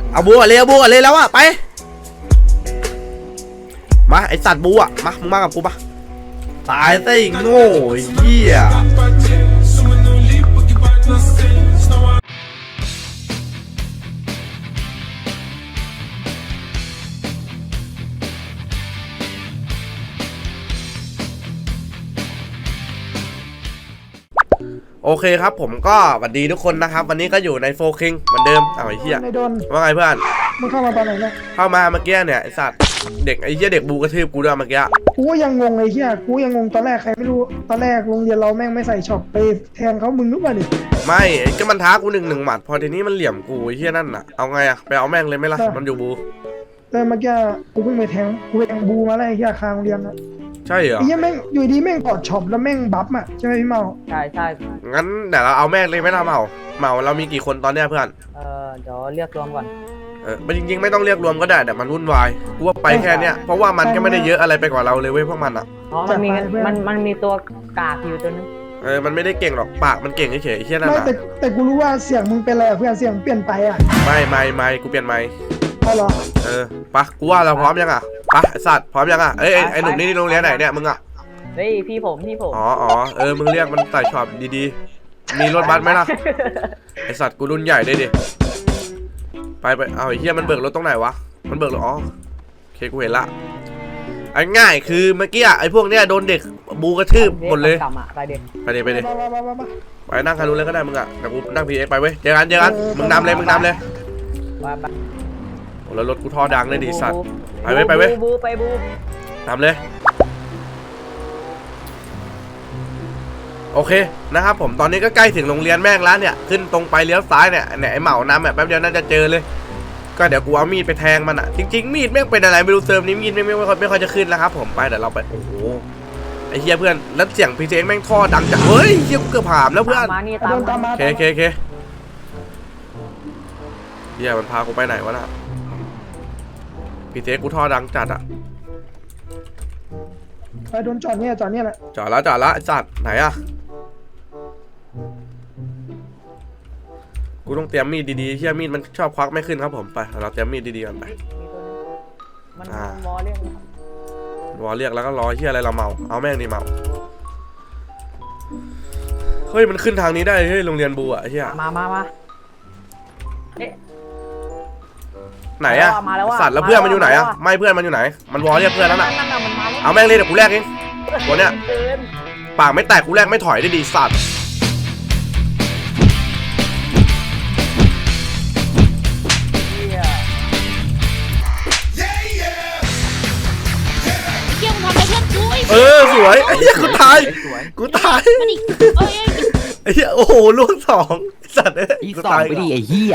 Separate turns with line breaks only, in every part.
เอาบูก่อนเลยเอาบูก่อนเลยแล้วอะไปมาไอสัตว์บูอะมามึงมากับกูปะตายซะอีกโง่เหี้ยโอเคครับผมก็สวัสดีทุกคนนะครับวันนี้ก็อยู่ในโฟคิงเหมือนเดิมไอ้เหี้ยว่าไงเพื่อน
มึงเข้ามาตอนไหนเนี่ย
เข้ามาเมื่อกี้เนี่ยไอสัตว์เด็กไอ้เหี้ยเด็กบูกระทืบกูด้วยเมื่อกี้
กูยังงงเลยเฮียกูยังงงตอนแรกใครไม่รู้ตอนแรกโรงเรียนเราแม่งไม่ใส่ช็อปไปแทงเขามึงนึกว่าดิ
ไม่ก็มันท้ากูหนึ่งหมัดพอทีนี้มันเหลี่ยมกูไอ้เหี้ยนั่นน่ะเอาไงอะไปเอาแม่งเลยไหมล่ะมันอยู่บู
แต่เมื่อกี้กูเพิ่งไปแทงกูไปแทงบูมาแล้วไอ้เฮียคางโรงเรียนนะ
ใช่เหรอ
ไอ้เฮียแม่งอยู่ดีแม่งกอดช็อปแล้วแม่งบัฟอ่ะใช่ไหมพี่เมา
ใช่ใช่
งั้นเดี๋ยวเราเอาแม่งเลยไหมล่ะเมาเรามีกี่คนตอนเนี้ยเพื่อน
เดี๋ยวเรียกรวมก่อน
มันจริงๆไม่ต้องเรียกรวมก็ได้แต่มันวุ่นวายกูว่าไปแค่เนี้ยเพราะว่ามันก็ไม่ได้เยอะอะไรไปกว่าเราเลยเว้ยพวกมันอ่ะ
อ๋อมันมีตัวกากอยู่ตัวนึง
มันไม่ได้เก่งหรอกปากมันเก่งเฉยๆไอ้เหี้ยนั่นน่ะ
แต่กูรู้ว่าเสียงมึงเป็นอะไรเพื่อนเสียงเปลี่ยนไปอ่ะ
ไม่กูเปลี่ยนไม่
เหรอ
ปะกูว่าเราพร้อมยังอ่ะปะไอสัตว์พร้อมยังอ่ะไอหนุ่มนี่โรงเรียนไหนเนี่ยมึงอ่ะ
เฮ้ยพี่ผม
อ๋อมึงเรียกมันใส่ช็อปดีๆมีรถบัสไหมล่ะไอสัตว์กูรุ่นใหญ่ได้ดิไปเอาไอ้เหี้ยมันเบิกรถตรงไหนวะมันเบิกรถอ๋อโอเคกูเห็นละไอ้ง่ายคือเมื่อกี้ไอ้พวกเนี้ยโดนเด็กบูกระทืบหมดเลย
ไปเด็ก
ไปนั่งคันนู้นเลยก็ได้มึงอ่ะแต่กูนั่งพีเอ็กไปเว้ยเจอกันมึงนำเลยโอ้แล้วรถกูท่อดังเลยดิสัตว์ไปเว้ย
บู
นำเลยโอเคนะครับผมตอนนี้ก็ใกล้ถึงโรงเรียนแม่งแล้วเนี่ยขึ้นตรงไปเลี้ยวซ้ายเนี่ยไอ้เหมานำแบบแป๊บเดียวน่าจะเจอเลยก็เดี๋ยวกูเอามีดไปแทงมันอ่ะจริงๆมีดแม่งเป็นอะไรไม่รู้เซิร์ฟนี้มีดไม่ค่อยจะขึ้นแล้วครับผมไปเดี๋ยวเราไปโอ้โหไอ้เฮียเพื่อนแล้วเสียงพีเจแม่งท่อดังจังเฮ้ยเฮียกูเกือบผ่านแล้วเพื่อนโอเคเฮียมันพากูไปไหนวะน่ะพีเจกูท่อดังจัดอ่ะ
ไปโดนจอดเนี่ยแหละ
จอดแล้วไอ้สัตว์ไหนอ่ะกูต้องเตรียมมีดดีๆเฮียมีดมันชอบควักไม่ขึ้นครับผมไปเราเตรียมมีดดีๆกันไป
มันวอเรียก
แล้วก็รอเฮียอะไรเราเมาเอาแม่งดีเมาเฮ้ยมันขึ้นทางนี้ได้เฮ้ยโรงเรียนบูอ่ะเฮีย
มา
ไหนอะสัตว์แล้วเพื่อนมันอยู่ไหนอะไม่เพื่อนมันอยู่ไหนมันวอเรียกเพื่อนแล้วน่ะเอาแม่งเลยเดี๋ยวกูแลกเองตัวเนี้ยปากไม่แตกกูแลกไม่ถอยได้ดีสัตว์สวยไอ้เหี้ยกูตายไอ้เหี้ยโอ้โหลูกสองสัตว์
อีสองไปดิไอ้เหี้ย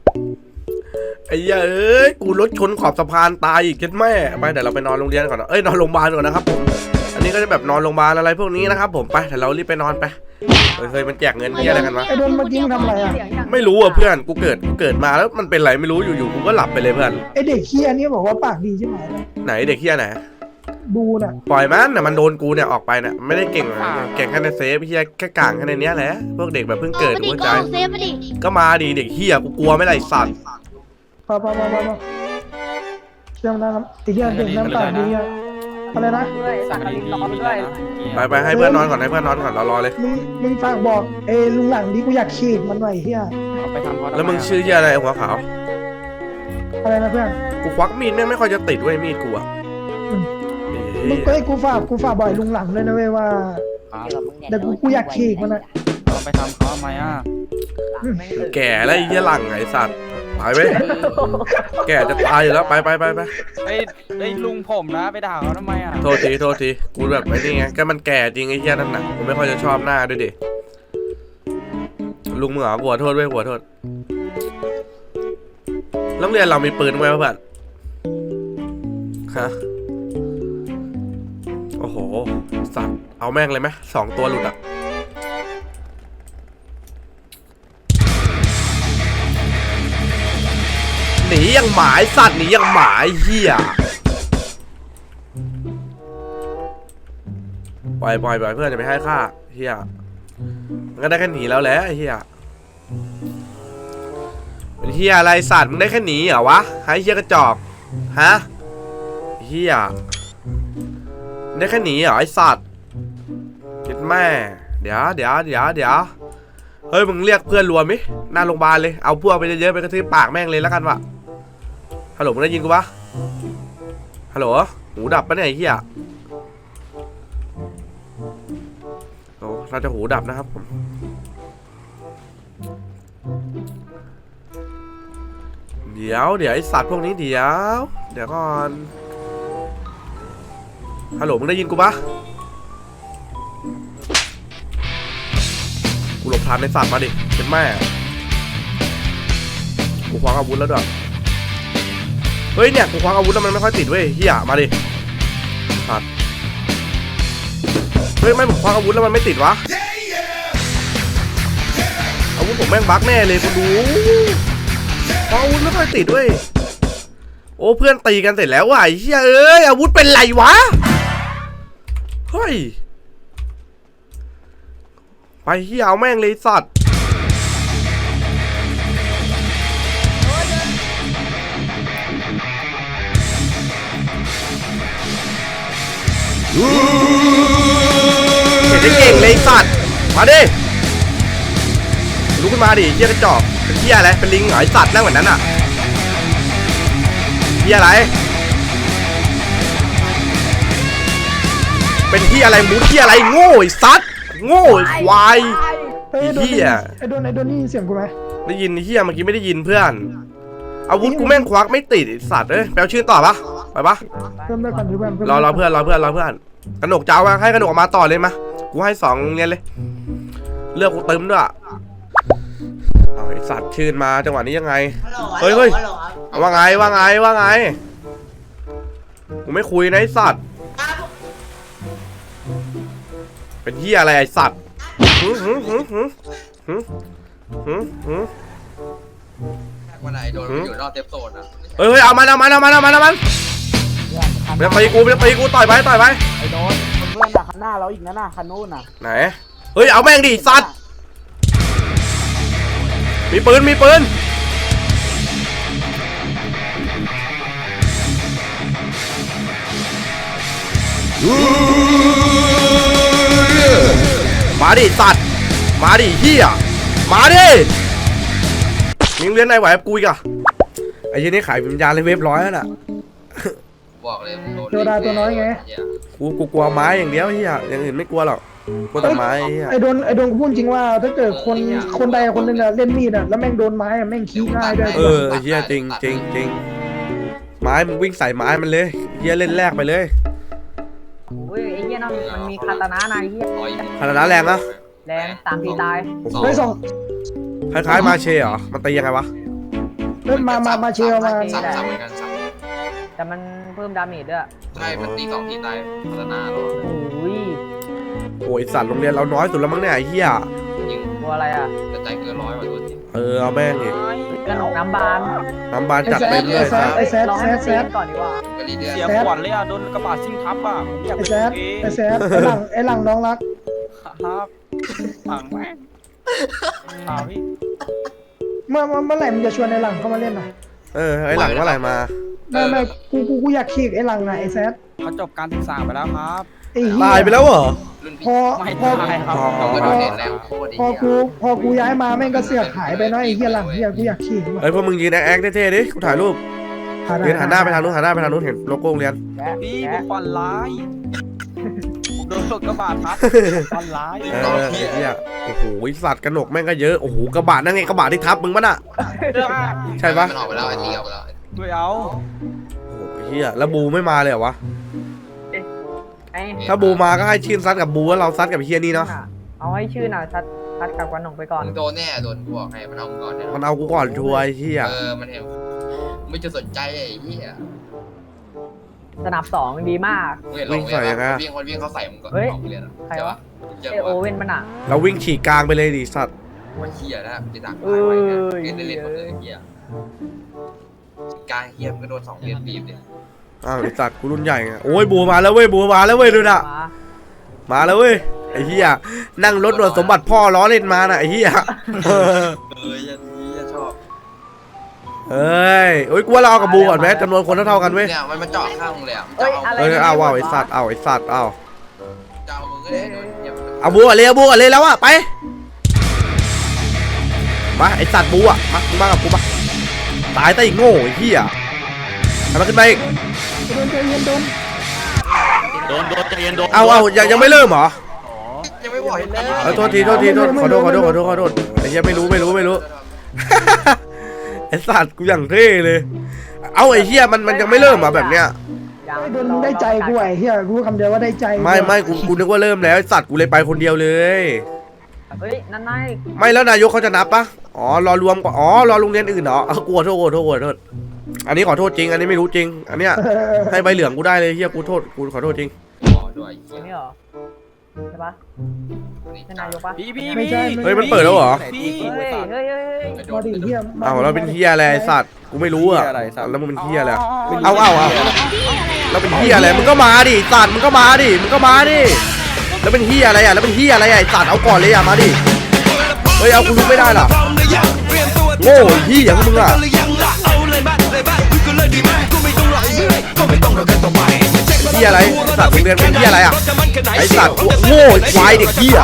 กูรถชนขอบสะพานตายอีกเจ็ดแม่ไปเดี๋ยวเราไปนอนโรงเรียนก่อนนอนโรงพยาบาลก่อนนะครับผมอันนี้ก็จะแบบนอนโรงพยาบาลอะไรพวกนี้นะครับผมไปเดี๋ยวเรารีบไปนอนไปเคยมันแจกเงินที่อะไรกันวะ
ไอ้โดนเมื่อกี้ทำอะไรอ่ะ
ไม่รู้อ่ะเพื่อนกูเกิดมาแล้วมันเป็นไรไม่รู้อยู่ๆกูก็หลับไปเลยเพื่อน
ไอเด็กเคียนี่บอกว่าปากดีใช่ไหม
ไหนเด็กเคียไหน
ดูน่ะ
ปล่อยมันน่ะมันโดนกูเนี่ยออกไปเนี่ยไม่ได้เก่งแค่ในเซฟเฮียแค่กลางแค่ในเนี้ยแหละพวกเด็กแบบเพิ่งเกิดหัวใจก็มาดีเด็กเฮียกูกลัวไม่ไรสัตว์
พอเชื่อมได้ครับไอ้เหี้ยเด็กน้ำตาดีอะไรนะ
ไปให้เพื่อนนอนก่อนเรารอเลย
มึงฝากบอกลุงหลังดิกูอยากฉีดมันหน่อยเฮีย
แล้วมึงชื่อเฮียอะไรหัวขาว
อะไรนะเพื่อน
กูควักมีดไม่ค่อยจะติดด้วยมีดกูอ่ะ
มึงก็ให้กูฝากบ่อยลุงหลังเลยนะเว้ยว่าแต่กูอยากฉีดมันอ่ะ
ไปทำเขาทำไมอ่ะ
แก่แล้วไอ้เหี้ยหลังไอ้สัตว์ไปเว้ยแก่จะตายอยู่แล้วไป
ไอ้ลุงผมนะไปด่าเขาทำไมอ่ะ
โทษทีกูแบบไอ้นี่ไงก็มันแก่จริงไอ้เหี้ยนั่นน่ะกูไม่ค่อยจะชอบหน้าด้วยดิลุงมึงเหรอกูขอโทษเว้ยกูขอโทษโรงเรียนเรามีปืนไว้ป่ะฮะโอ้โหสัตว์เอาแม่งเลยไหม2 ตัวหลุดอ่ะหนียังหมายสัตว์หนียังหมายเหี้ยปล่อยเพื่อนจะไปให้ฆ่าเหี้ยมันก็ได้แค่หนีแล้วแหละเหี้ยเป็นเฮียอะไรสัตว์มึงได้แค่หนีเหรอวะไอ้เฮียกระจอกฮะเฮียได้แค่หนีเหรอไอ้สัตว์คิดแม่เดี๋ยวเฮ้ยมึงเรียกเพื่อนรวมมิหน้าโรงพยาบาลเลยเอาพวกไปเยอะๆไปกระทืบปากแม่งเลยแล้วกันวะฮัลโหลมึงได้ยินกูปะฮัลโหลหูดับปะเนี่ยไอ้เฮียโอ้เราจะหูดับนะครับผมเดี๋ยวไอสัตว์พวกนี้เดี๋ยวก่อนฮัลโหลมึงได้ยินกูปะกูหลบทันในสัตว์มาดิเป็นแม่กูคว้าอาวุธแล้วด้วยเฮ้ยเนี่ยกูคว้าอาวุธแล้วมันไม่ค่อยติดเว้ยเฮียมาดิสัตว์เฮ้ยไม่ผมคว้าอาวุธแล้วมันไม่ติดวะอาวุธผมแม่งบั๊กแน่เลยกูดูอาวุธไม่ค่อยติดเว้ยโอ้เพื่อนตีกันเสร็จแล้วว่ะไอ้เหี้ยเอ้ยอาวุธเป็นไรวะเฮ้ยไปเหี้ยเอาแม่งเลยสัตว์เห็นได้เก่งเลยสัตว์มาดิลุกขึ้นมาดิเหี้ยกระจอกเป็นเหี้ยอะไรเป็นลิงเหรอไอสัตว์นั่งเหมือนนั้นอ่ะเหี้ยอะไรเป็นเหี้ยอะไรมูเหี้ยอะไรโง่ไอสัตว์โง่ไอควาย
เฮ้ย
ไอ้เหี้ย
ไอ้โดนนี่เสียงกูไหม
ได้ยินไอ้เหี้ยเมื่อกี้ไม่ได้ยินเพื่อนอาวุธกูแม่งควักไม่ติดไอสัตว์เอ้ยแปลชื่อต่อปะไปปะ
เพิ่มได้ก่อนดิเพื่อน
รอเพื่อนกระหนกเจ้ามาให้กระหนกออกมาต่อเลยมากูให้2โรงเรียนเลยเลือกกูเติมด้วยเอาไอสัตว์ชื่นมาจังหวะนี้ยังไงเฮ้ยว่าไงกูไม่คุยนะไอสัตว์เป็นเหี้ยอะไรไอสัตว์
วันไหนโดนอยู่นอกเซฟโซนอ่ะ
เฮ้ยเอามันไปตีกูต่อยไป
ไอ้โดนเพื่อนอะคันหน้าเราอีกนะน่ะคันนู้นน่ะ
ไหนเฮ้ยเอาแม่งดิสัตว์มีปืนมาดิสัตว์มาดิเฮียมาดิมึงเรียนไหนไหวกับกูอีกอะไอ้ยี่นี่ขายวิญญาณเลยเว็บร้อยแล้วน่ะ
บอกเลยโดน
โจดาตัวน้อยไง
กูกลัวไม้อย่างเดียวเฮียอย่างอื่นไม่กลัวหรอกกลัวแต่ไม้เฮีย
ไอ้โดนกูพูดจริงว่าถ้าเกิดคนใดคนหนึ่งอะเล่นมีดอะแล้วแม่งโดนไม้อะแม่งขี้ง่ายด้วย
เฮียจริงไม้มึงวิ่งใส่ไม้มันเลยเฮียเล่นแรกไปเลย
เฮ้ยไอ้เหี้ยนั่นมันมีคาตานะนายเหี้ย
ขนาดนั้นแรงนะ
แรง3 ทีตาย
โอ้โห
เฮ้ยสอง
คล้ายๆมาเชเหรอมันตียังไงวะ
เริ่มมาเชียร์มา
สับเหมือนกันสับ
แต่มันเพิ่มดาเมจด้วย
ใช่มันตี2 ทีตายพัฒนาหรอ
โอ้ย
โอ้ยสัตว์โรงเรียนเราน้อยสุดแล้วมั้งเนี่ยไอ้เฮีย
ยิง
ตัวอะไรอ่ะ
กระจายเกิน100ว่ะตัวจริง
เอาแม่งดิ
กระหนกน้ำบาน
น้ำบานจัดเต็มเลย
ไอ้แซด
ลองให้มันตีกันก่อนดีกว่า
ก็รีเดือน
เสียขวัญเลยอ่ะโดนกระบะซิ่งทับอ่ะผมอยาก
ไอ้
เป็น
แซด
เอง
ไอ้หลังน้องรัก
ครับฝังแม่งพี่
เมื่อไหร่มึงจะชวนไอ้หลังเข้ามาเล่นน่ะ
ไอ้หลังเมื่อไหร่มา
ไม่กูอยากขีกไอ้หลังน่ะไอ้แซด
เขาจบการศึกษาไปแล้วครับ
ไอ้เหี้
ตายไปแล้วเหรอ
รุ่น
พ
พี่
อ
ไม่
พอ
ตายครับ
เราก็โดนเด่นแล้วโคตรดี
พอกูย้ายมาแม่งก็เสือกหายไปเนาะไอ้เหี้ยหลังเหี้ยกูอยากขีกว่ะ
เฮ้ยพวกมึงยืนแอคเท่ๆดิกูถ่ายรูปยืนหันหน้าไปทางนู้นเห็นโลโก้โรงเรียน
พี่ผมฝันร้ายผมโดนรถกระบะทับฝันร้าย
ไอ้เฮียโอ้โหสัตว์กระหนกแม่งก็เยอะโอ้โหกระบะนั่นไงกระบะที่ทับมึงปะน่ะใช่ปะ
มันออกไปแล้วไอ้ตีออกไปแล้ว
ไม่เอา
โอ้โหเฮียแล้วบูไม่มาเลยเหรอวะ
ไอ้
ถ้าบูมาก็ให้ชื่นซัดกับบูแล้วเราซัดกับเฮียนี่เนาะ
เอาให้ชื่อน่ะทัดกับกระหนกไปก่อน
มึงโดนแน่โดนบอกให้มันเอามึงก่อนเนี่ย
มันเอากูก่อนชัวร์ไอ้เฮีย
มันเห็นไม่จะสนใจไอ้เหี้ย
สนับ2ดีมาก
มึงเห็นลงเลยวิ่งเขาใส่มึงก่อนออกเรียนอ่ะ
ใครวะ
เจอ
ไอโอเว่นมันอ่ะ
เราวิ่งฉีกกลางไปเลยดิสัตว์
ว่าเหี้ยนะจะดักตายไว้เนี่ยเล่นหมดเลยเหี้ยกลางเหี้ยมันก็โดน2 เหรียญบีบเนี่ย
อ้าวไอ้สัตว์กูรุ่นใหญ่ไงโอ้ยบูมาแล้วเว้ยดูน่ะมาแล้วเว้ยไอ้เฮียนั่งรถหนวดสมบัติพ่อล้อเล่นมาน่ะไอ้เฮีย
จะชอบ
เอ้ยโอ้ยกูว่าเราเอากับบูก่อนไหมจำนวนคนเท่าๆกันเว้ย
เนี่ยมันจอดข้างมึงเลยอ่ะ
เอ้ยอะไร
เอ้ยเอาว่ะไอ้สัตว์เอาไอ้สัตว์เอา
จะเอามึงก็ได้โดนเหยียบ
เอาบูก่อนเลยเอาบูก่อนเลยแล้วอะไปมาไอ้สัตว์บูอะมากับกูมาตายแต่อีกโง่ไอ้เหี้ยทำมันขึ้นไปอีก
โดนใจเย็นโดน
เอายังไม่เริ่มเหรอ
ยังไม่บอกเลย
โทษทีขอโทษไอ้เหี้ยไม่รู้ ไอ้สัตว์กูอย่างเท่เลย เอาไอ้เหี้ยมันยังไม่เริ่มเหรอแบบเนี้ย
ไอ้โดนมึงได้ใจกูไอ้เหี้ยกูคำเดียวว่าได้ใจ
ไม่กูนึกว่าเริ่มแล้วไอ้สัตว์กูเลยไปคนเดียวเลย
เฮ้ยนั่นไง
ไม่แล้วนายกเขาจะนับปะอ๋อรอรวมก่อนอ๋อรอโรงเรียนอื่นเหรอกูขอโทษอันนี้ขอโทษจริงอันนี้ไม่รู้จริงอันเนี้ยให้ใบเหลืองกูได้เลยเฮียกูขอโทษจริง
ด้วย
นี่เหรอใช่ปะเป็นนายกปะ
พี่
เฮ้ยมันเปิดแล้วเหรอ
พี่
เฮ้ย
มาดิเหี้ย
เอาแล้วเป็นเฮียอะไรไอ้สัตว์กูไม่รู้อะแล้วมึงเป็นเฮียอะไรเอาแล้วเป็นเฮียอะไรมึงก็มาดิสัตว์มึงก็มาดิแล้วเป็นเฮียอะไรอะไอ้สัตว์เอาก่อนเลยอะมาดิเฮ้ยเอากูลุกไม่ได้หรอโง่เฮียอย่างมึงอะเฮียอะไรสัตว์โรงเรียนเป็นเฮียอะไรอะไอ้สัตว์โง่ควายเด็กเฮีย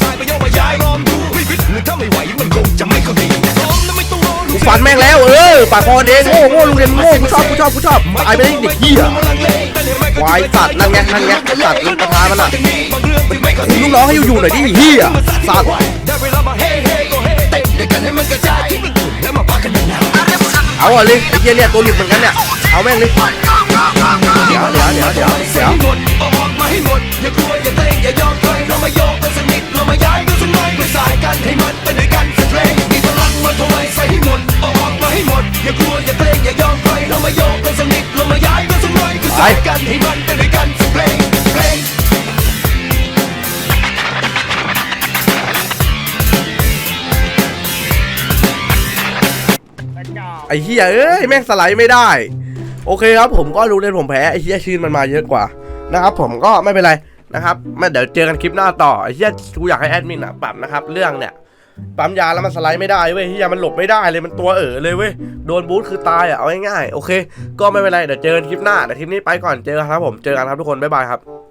กูฟันแม่งแล้วปากคอเองโง่โรงเรียนโง่กูชอบตายไปได้เด็กเฮียควายสัตว์นั่นไงสัตว์มันประธานมันอะลูกน้องให้อยู่หน่อยดิเฮียสัตว์เอาอะเลยไอ้เฮียเนี่ยตัวหลุดเหมือนกันเนี่ยเอาแม่งเลยเดี๋ยวไอ้เฮียแม่งสไลด์ไม่ได้โอเคครับผมก็รู้เลยผมแพ้ไอ้เฮียชื่นมันมาเยอะกว่านะครับผมก็ไม่เป็นไรนะครับเดี๋ยวเจอกันคลิปหน้าต่อไอ้เฮียกูอยากให้แอดมินปรับนะครับเรื่องเนี่ยปั๊มยาแล้วมันสไลด์ไม่ได้เว้ยเฮียมันหลบไม่ได้เลยมันตัวเลยเว้ยโดนบูทคือตายเอาง่ายๆโอเคก็ไม่เป็นไรเดี๋ยวเจอกันคลิปหน้าแต่คลิปนี้ไปก่อนเจอกันครับผมเจอกันครับทุกคนบ๊ายบายครับ